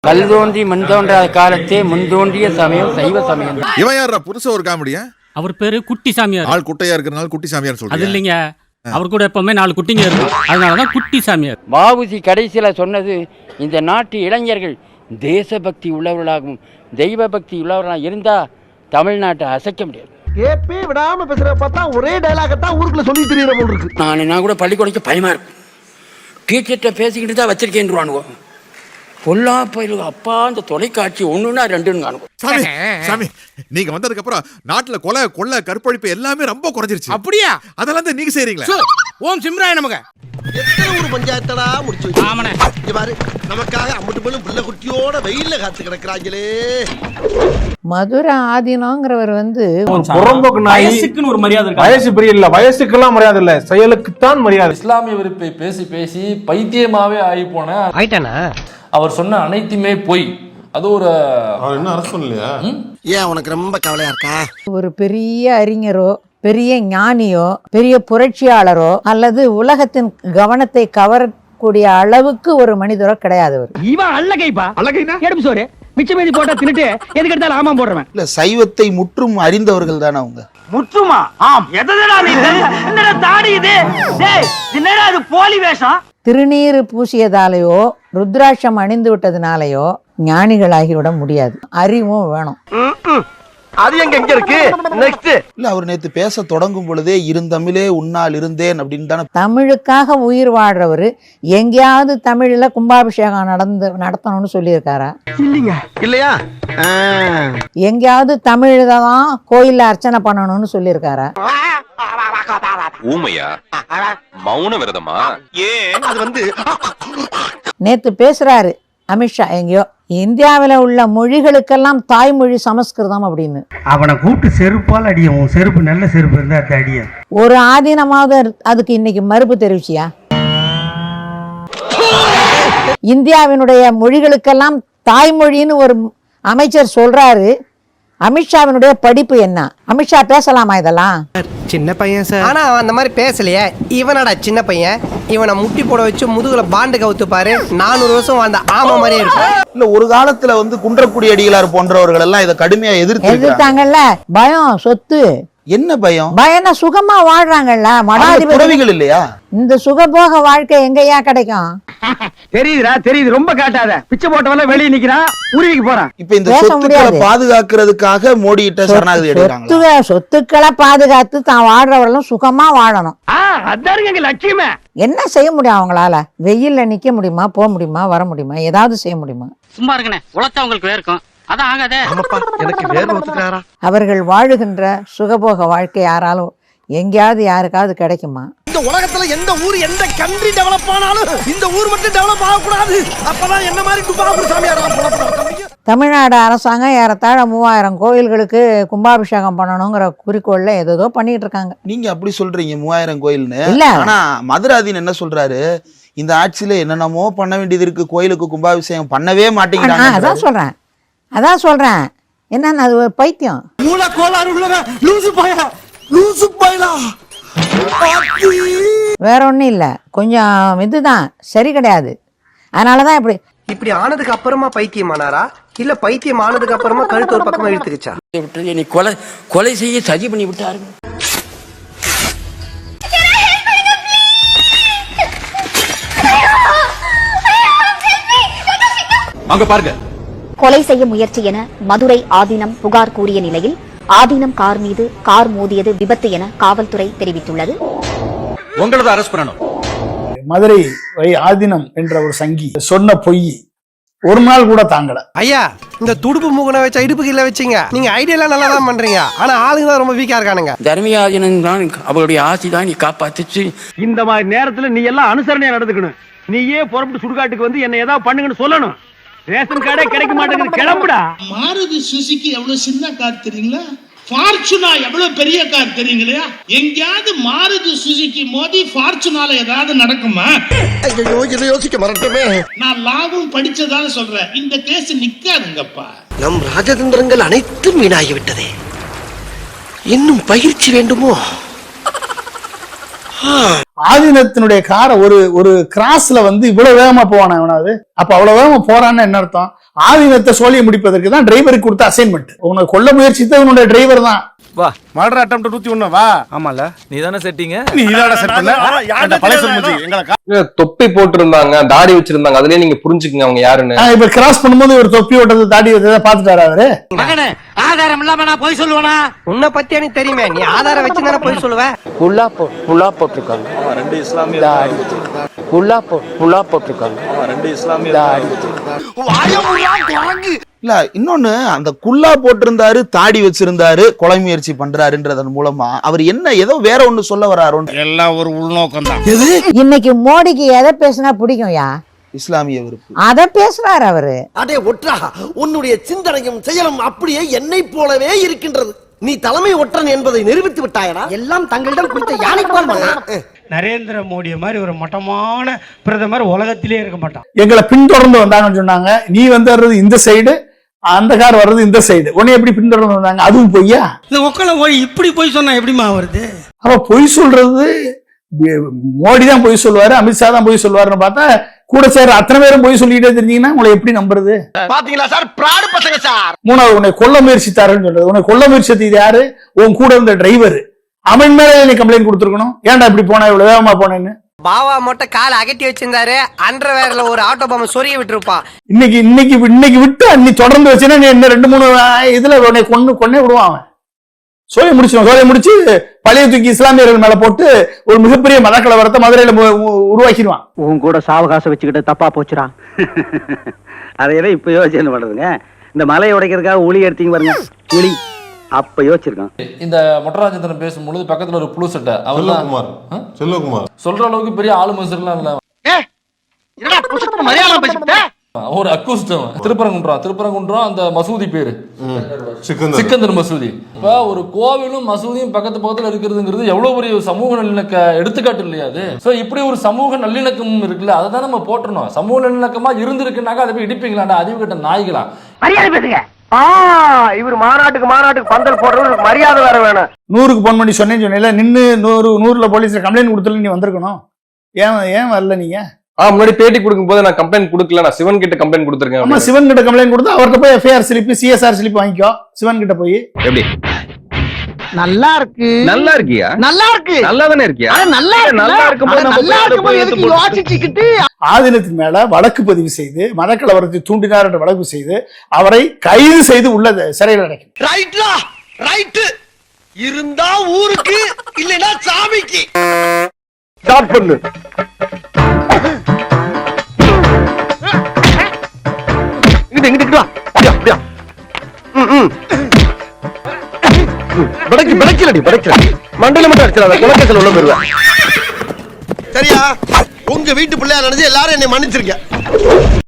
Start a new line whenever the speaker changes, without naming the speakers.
கல் தோன்றி மண் தோன்றாத காலத்தே முன் தோன்றிய சமயம் சைவ சமயம்.
இவன் யாரா புருஷ ஒரு காமெடியா?
அவர் பேரு குட்டி சாமியார்.
ஆள் குட்டையா இருக்கிறனால குட்டி சாமியார் சொல்றீங்க?
அது இல்லைங்க, அவர் கூட எப்பவுமே 4 குட்டிங்க இருக்கும், அதனாலதான் குட்டி சாமியார்.
வாவுசி கடைசியில சொன்னது, இந்த நாட்டு இளைஞர்கள் தேசபக்தி உள்ளவர்களாகவும் தெய்வ பக்தி உள்ளவர்களாக இருந்தா தமிழ்நாட்டை அசைக்க முடியாது.
கேப்பே விடாம பேசுற பார்த்தா ஒரே டயலாக தான் ஊருக்குள்ள சொல்லி தெரியற போல இருக்கு.
நான் கூட பள்ளிக்கூடக்கு பயமா இருக்கும். டீச்சர்கிட்ட பேசிக்கிட்டு தான் வச்சிருக்கேன்னுவானுவோ. பொல்லா பயிலுங்க அப்பா, அந்த தொலைக்காட்சி ஒண்ணுன்னா ரெண்டுன்னு காணுவோம்.
சாமி சாமி, நீங்க வந்ததுக்கு அப்புறம் நாட்டுல கொலை கொள்ளை கற்பழிப்பு எல்லாமே ரொம்ப குறைஞ்சிருச்சு.
அப்படியா?
அதெல்லாம் தான் நீங்க செய்றீங்களா?
ஓம் சிம்ராய நமக.
எத்தனை ஒரு பஞ்சாயத்தடா முடிச்சு வச்சு. ஆமாண்ணே. இங்க பாரு, நமக்காக அம்பட்டு பெண்ணும் பிள்ளை குட்டியோட வெயில்ல காத்து கிடக்குறாங்களே.
மதுரை ஆதீனங்கிறவர்
வயசுக்குன்னு ஒரு மரியாதை இருக்கு. வயசு பெரிய இல்ல, வயசுக்கெல்லாம் மரியாதை இல்ல, செயலுக்குத்தான் மரியாதை. இஸ்லாமிய வெறுப்பை பேசி பேசி பைத்தியமாவே ஆகி போன
ஆயிட்டானா?
அவர் சொன்ன அனைத்துமே போய் அது ஒரு
என்ன அரசு இல்லையா?
ஏன் உனக்கு ரொம்ப கவலையா இருக்கா?
ஒரு பெரிய அறிஞரோ, பெரிய ஞானியோ, பெரிய புரட்சியாளரோ அல்லது உலகத்தின் கவனத்தை கவரக்கூடிய அளவுக்கு ஒரு மனிதரோ கிடையாது.
இவன் அல்லகைப்பா. அல்லகைனா எடுப்பு சோறு மிச்ச மீதி போட்டா தின்னுட்டு எதுக்கு எடுத்தாலும் ஆமாம் போடுறவன்.
இல்ல, சைவத்தை முற்றும் அறிந்தவர்கள் தானே அவங்க.
முற்றுமா? ஆம். எதடா நீ என்னடா தாடி இது? டேய், என்னடா இது போலி வேஷம்?
திருநீறு பூசியதாலேயோ ருத்ராட்சம் அணிந்து விட்டதுனாலயோ ஞானிகளாகிவிட முடியாது. அறிவும் வேணும்.
அது எங்க இருக்கு? நெக்ஸ்ட் இல்ல, அவர் நேத்து பேச தொடங்கும் பொழுதே இருந்தமிழே உன்னால் இருந்தேன் அப்படின்னு தானே.
தமிழுக்காக உயிர் வாழ்றவர் எங்கேயாவது தமிழ்ல கும்பாபிஷேகம் நடத்தணும்னு சொல்லியிருக்காரா?
இல்லைங்க. இல்லையா?
எங்கேயாவது தமிழ்ல தான் கோயில்ல அர்ச்சனை பண்ணணும்னு சொல்லியிருக்காரா?
ஊமையா? மௌன விரதமா? ஏன் அது வந்து
நேத்து பேசுறாரு அமித்ஷா, எங்கேயோ இந்தியாவில உள்ள மொழிகளுக்கெல்லாம் தாய்மொழி சமஸ்கிருதம் அப்படின்னு.
அவனை கூப்பிட்டு செருப்பால் அடியும். செருப்பு நல்ல செருப்பு இருந்தா அடிய.
ஒரு ஆதீனமாவது அதுக்கு இன்னைக்கு மறுப்பு தெரிவிச்சியா? இந்தியாவினுடைய மொழிகளுக்கெல்லாம் தாய்மொழின்னு ஒரு அமைச்சர் சொல்றாரு. அமித்ஷாவினுடைய படிப்பு என்ன? அமித்ஷா பேசலாமா இதெல்லாம்?
சின்ன பையன் சார். ஆனா அவன் அந்த மாதிரி பேசலையே. இவனடா சின்ன பையன். இவனை முட்டி போட வச்சு முதுகுல பாண்டு கவுத்து பாரு, 400 வருஷம் வாழ்ந்த ஆமா மாதிரியே இருக்கு.
இல்ல, ஒரு காலத்துல குன்றக்குடி அடிகளார் போன்றவர்கள் எல்லாம் இதை கடுமையா
எதிர்த்தாங்கல்ல. பயம், சொத்து.
என்ன பயம்?
பயம்னா சுகமா வாழ்றாங்கல்ல மடாதிபதிகள்
இல்லையா?
இந்த சுகபோக வாழ்க்கை எங்கயா கிடைக்கும்?
தெரியுதுடா, தெரியுது. ரொம்ப காட்டாத. பிச்சை போட்டவெல்லாம் வெளியே நிக்கிறான், உருவிக்கு போறான்.
இப்ப இந்த சொத்துக்களை பாதுகாக்கிறதுக்காக மோடி கிட்ட சரணாகதி எடுக்கிறாங்க.
சொத்துக்களை பாதுகாத்து தான் வாழ்றவர்களும் சுகமா வாழணும்.
அதான் எங்க லட்சியமே.
என்ன செய்ய முடியும் அவங்களால? வெயில்ல நிக்க முடியுமா? போக முடியுமா? வர முடியுமா? ஏதாவது செய்ய முடியுமா?
சும்மா இருக்கனே, உழைச்சா உங்களுக்கு வேர்க்கும். அதான் ஆகாதே.
எனக்கு வேர்வை ஒத்துக்கிறாரா?
அவர்கள் வாழுகின்ற சுகபோக வாழ்க்கை யாராலும் எங்கேயாவது யாருக்காவது கிடைக்குமா?
இந்த உலகத்துல எந்த ஊர், எந்த கண்ட்ரி டெவலப் ஆனாலும் இந்த ஊர் மட்டும் டெவலப் ஆகக்கூடாது. அப்பதான் என்ன மாதிரி துபாகூர் சாமியார்.
தமிழ்நாடு அரசாங்கம் ஏறத்தாழ 3000 கோயில்களுக்கு கும்பாபிஷேகம் பண்ணணுங்கிற குறிக்கோள்ல ஏதோ பண்ணிட்டு இருக்காங்க.
நீங்க அப்படி சொல்றீங்க 3000 கோயில்னு.
இல்ல,
ஆனா மதுராதீன் என்ன சொல்றாரு? இந்த ஆட்சியில என்னென்னமோ பண்ண வேண்டியது இருக்கு, கோயிலுக்கு கும்பாபிஷேகம் பண்ணவே மாட்டேங்கிறாங்க.
அதான் சொல்றேன். என்னன்னா அது ஒரு பைத்தியம். வேற ஒண்ணும் இல்ல, கொஞ்சம் இதுதான் சரி கிடையாது. அதனாலதான்
இப்படி ஆனதுக்கு அப்புறமா பைத்தியமானாரா, இல்ல பைத்தியம் ஆனதுக்கு அப்புறமா கழுத்து ஒரு பக்கமா இழுத்துக்கிச்சா?
நீ கொலை செய்ய சதி பண்ணி விட்டாரு.
அங்க பாருங்க.
கொலை செய்ய முயற்சி என மதுரை ஆதீனம் புகார் கூறிய நிலையில் ஆதீனம் கார் மீது கார் மோதியது விபத்து என காவல்துறை தெரிவித்துள்ளது.
உங்களது அரெஸ்ட் பண்ணணும்.
மதுரை ஆதீனம் என்ற ஒரு சங்கி சொன்ன பொய் ஒரு நாள் கூட தாங்கல.
ஐயா, இந்த துடுப்பு மூகனை வச்ச இடுப்புக்கு இல்ல வச்சீங்க. நீங்க ஐடியா நல்லா தான் பண்றீங்க, ஆனா ஆளுங்க தான் ரொம்ப வீக்கா இருக்கானுங்க.
தர்மியாதீனம் தான் அவருடைய ஆசி தான் நீ காப்பாத்துச்சு.
இந்த மாதிரி நேரத்துல நீ எல்லாம் அனுசரணையா நடந்துக்கணும். நீயே புறப்பட்டு சுடுகாட்டுக்கு வந்து என்ன ஏதாவது பண்ணுங்கன்னு சொல்லணும். ரேஷன் கார்டே கிடைக்க மாட்டேங்குது, கிளம்புடா.
மாருதி சுசுகி எவ்வளவு சின்ன கார் தெரியுங்களா? ஃபார்ச்சுனா எவ்வளவு பெரிய கார் தெரியுங்களா? எங்கயாவது மாருதி சுசுகி மோதி ஃபார்ச்சுனால ஏதாவது நடக்குமா?
ஐயோ, இதை யோசிக்க மறந்துட்டமே.
நான் லாபம் படிச்சதால சொல்றேன், இந்த கேஸ் நிக்காதுங்கப்பா.
நம் ராஜதந்திரங்கள் அனைத்தும் வீணாகிவிட்டதே. இன்னும் பயிற்சி வேண்டுமோ?
ஆதீனத்தினுடைய காரை ஒரு கிராஸ்ல இவ்வளவு வேகமா போவானா? அப்ப அவ்வளவு வேகமா போறான்னு என்ன அர்த்தம்? ஆதீனத்தை சோழியை முடிப்பதற்கு தான் டிரைவருக்கு கொடுத்த அசைன்மெண்ட். உன்னை கொல்ல முயற்சித்தது உன்னுடைய டிரைவர் தான்.
வா மர்டர் அட்டெம்ப்ட் 101 வா. ஆமால நீ தானே செட்டிங்க, நீ தானே செட் பண்ண. அந்த பழைய சொல்லுச்சு எங்களை
தொப்பி போட்டுருந்தாங்க, தாடி வச்சிருந்தாங்க, அதுலயே நீங்க புரிஞ்சுக்கங்க அவங்க யாருன்னு.
இப்ப கிராஸ் பண்ணும்போது ஒரு தொப்பி ஓட்டது தாடி வச்சதை பாத்துட்டாரு அவரு.
மகனே ஆதாரம் இல்லாம நான் போய் சொல்லுவேனா? உன்னை பத்தி எனக்கு தெரியுமே, நீ ஆதாரம் வச்சு தானே போய் சொல்லுவ.
புல்லா போட்டிருக்காங்க.
ரெண்டு இஸ்லாமிய
புல்லா போட்டிருக்காங்க.
ரெண்டு இஸ்லாமிய இல்ல. இன்னொன்னு, அந்த குல்லா போட்டிருந்தாரு, தாடி வச்சிருந்தாரு, கொலை முயற்சி பண்றாருன்றதன் மூலமா அவர் என்ன ஏதோ வேற ஒண்ணு சொல்ல வராரு. எல்லாம் ஒரு உள்நோக்கம் தான்.
இன்னைக்கு மோடிக்கு எதை பேசினா பிடிக்கும்யா?
இஸ்லாமிய விருப்பு
அத பேசுறாரு அவரு.
அடே ஒற்றா, உன்னுடைய சிந்தனையும் செயலும் அப்படியே என்னை போலவே இருக்கின்றது. நீ தலைமை ஒற்றன் என்பதை நிரூபித்து விட்டாயடா. எல்லாம் தங்களிடம் கொடுத்த யானை போல்.
நரேந்திர மோடியை மாதிரி ஒரு மட்டமான பிரதமர் உலகத்திலே இருக்க மாட்டான்.
எங்களை பின்தொடர்ந்து வந்தாங்கன்னு சொன்னாங்க. நீ வர்றது இந்த சைடு, அந்த கார் வர்றது இந்த சைடு. உன்னை எப்படி பின்தொடர்ந்து வந்தாங்க? அதுவும் பொய்யா?
இந்த ஒக்கல போய் இப்படி போய் சொன்னா எப்படிமா வருது?
அவ பொய் சொல்றது மோடி தான் பொய் சொல்லுவாரு, அமித்ஷா தான் பொய் சொல்லுவாருன்னு பார்த்தா கூட சேர அத்தனை பேரும் பொய் சொல்லிட்டே தெரிஞ்சீங்கன்னா உங்களை எப்படி நம்புறது?
பாத்தீங்களா சார், பிராடு பசங்க சார்.
மூணாவது, உன்னை கொல்ல முயற்சித்தாருன்னு சொல்றது. உன்னை கொல்ல முயற்சித்தது யாரு? உன் கூட இருந்த டிரைவர். அவன் மேல நீ கம்ப்ளைண்ட் கொடுத்துருக்கணும். ஏன்டா இப்படி போனா, இவ்வளவு வேகமா போனேன்னு.
பாவா மட்டும் காலை அகட்டி வச்சிருந்தாரு, அண்டர்வேர்ல ஒரு ஆட்டோ பாம்பை சொரிய விட்டுருப்பான்.
இன்னைக்கு விட்டு நீ தொடர்ந்து வச்சுன்னா நீ என்ன 2-3 இதுல உன்னை கொன்னே விடுவான் அவன். சோழியை முடிச்சு பழைய தூக்கி இஸ்லாமியர்கள் மேல போட்டு ஒரு மிகப்பெரிய மதக்கலவரத்தை மதுரையில உருவாக்கிடுவான்.
உன் கூட சாவகாசம் வச்சுக்கிட்டு தப்பா போச்சுடா. அதையெல்லாம் இப்ப யோசிச்சு பண்றதுங்க. இந்த மலையை உடைக்கிறதுக்காக உளி எடுத்தீங்க பாருங்க, உளி அப்ப யோசிச்சிருக்கான்.
இந்த மொட்டராஜேந்திரன் பேசும்பொழுது பக்கத்துல ஒரு புழு சட்டை அவர் செல்வகுமார் சொல்ற அளவுக்கு பெரிய ஆளு மனுஷர்லாம் இல்ல. ஒரு அக்கூஸ்டம் திருப்பரங்குன்றம் அந்த மசூதி பேரு சிக்கந்தர் மசூதி. இப்ப ஒரு கோவிலும் மசூதியும் பக்கத்துல இருக்கிறதுங்கிறது எவ்வளவு பெரிய சமூக நல்லிணக்க எடுத்துக்காட்டு இல்லையா அது? சோ இப்படி ஒரு சமூக நல்லிணக்கம் இருக்குல்ல, அதை தான் நம்ம போட்டணும். சமூக நல்லிணக்கமா இருந்திருக்குனாக்கா அதை போய் இடிப்பீங்களாண்டா, அறிவு கட்ட நாய்களா?
மரியாதை பேசுங்க. இவர் மாநாட்டுக்கு பந்தல் போடுறவங்களுக்கு மரியாதை வேற வேணும்.
100க்கு போன் பண்ணி சொன்னேன்னு நின்னு 100ல போலீஸ்ல கம்ப்ளைண்ட் கொடுத்துல நீ வந்திருக்கணும். ஏன் வரல நீங்க?
முன்னாடி பேட்டி கொடுக்கும் போது நான் கம்ப்ளைண்ட் கொடுக்கல, நான் சிவன் கிட்ட கம்ப்ளைண்ட் கொடுத்துருக்கேன்.
ஆமா, சிவன் கிட்ட கம்ப்ளைண்ட் கொடுத்து அவர்கிட்ட போய் எஃப்ஐஆர் ஸ்லிப் சிஎஸ்ஆர் ஸ்லிப் வாங்கிக்கோ. சிவன் கிட்ட போய்
எப்படி
நல்லா இருக்கு,
நல்லா இருக்கியா,
நல்லா இருக்கு,
நல்லா தானே இருக்கியா,
நல்லா இருக்கும்போது
ஆதீனத்தின் மேல வழக்கு பதிவு செய்து மதக்கலவரத்தை தூண்டினார் என்ற வழக்கு செய்து அவரை கைது செய்து உள்ள சிறையில் அடைக்கும்.
ரைட் இருந்தா ஊருக்கு, இல்லைன்னா சாமிக்கு.
ஸ்டார்ட் பண்ணு. எங்கிட்டு வா. மண்டல மட்டும் அடிச்சிடாத, குலக்கேசல் உள்ள போயிருவேன். சரியா? உங்க வீட்டு பிள்ளையா நினைச்சு எல்லாரும் என்னை மன்னிச்சிருக்க.